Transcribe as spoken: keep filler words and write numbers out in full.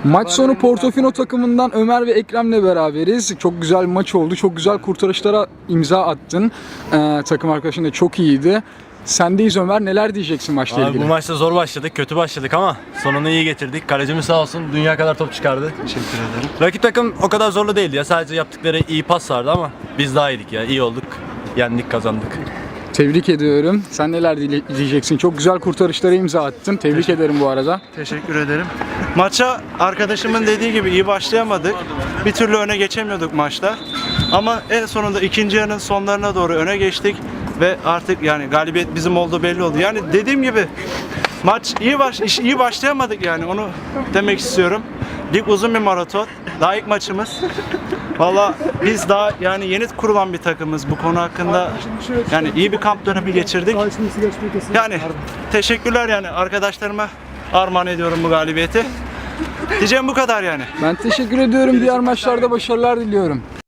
Maç sonu Portofino takımından Ömer ve Ekrem'le beraberiz. Çok güzel bir maç oldu. Çok güzel kurtarışlara imza attın. Ee, takım arkadaşın da çok iyiydi. Sendeyiz Ömer. Neler diyeceksin maçla Abi ilgili? bu maçta zor başladık, kötü başladık ama sonunu iyi getirdik. Kalecimiz sağ olsun dünya kadar top çıkardı. Teşekkür ederim. Rakip takım o kadar zorlu değildi ya. Sadece yaptıkları iyi pas vardı ama biz daha iyiydik ya. İyi olduk. Yendik, kazandık. Tebrik ediyorum. Sen neler dile- diyeceksin? Çok güzel kurtarışlara imza attın. Tebrik ederim bu arada. Teşekkür ederim. Maça arkadaşımın dediği gibi iyi başlayamadık. Bir türlü öne geçemiyorduk maçta. Ama en sonunda ikinci yarının sonlarına doğru öne geçtik ve artık yani galibiyet bizim olduğu belli oldu. Yani dediğim gibi maç iyi baş iş- iyi başlayamadık yani onu demek istiyorum. Lig uzun bir maraton. Daha ilk maçımız. Valla biz daha yani yeni kurulan bir takımız bu konu hakkında yani iyi bir kamp dönemi geçirdik. Yani teşekkürler yani arkadaşlarıma armağan ediyorum bu galibiyeti. Diyeceğim bu kadar yani. Ben teşekkür ediyorum. Diğer maçlarda başarılar diliyorum.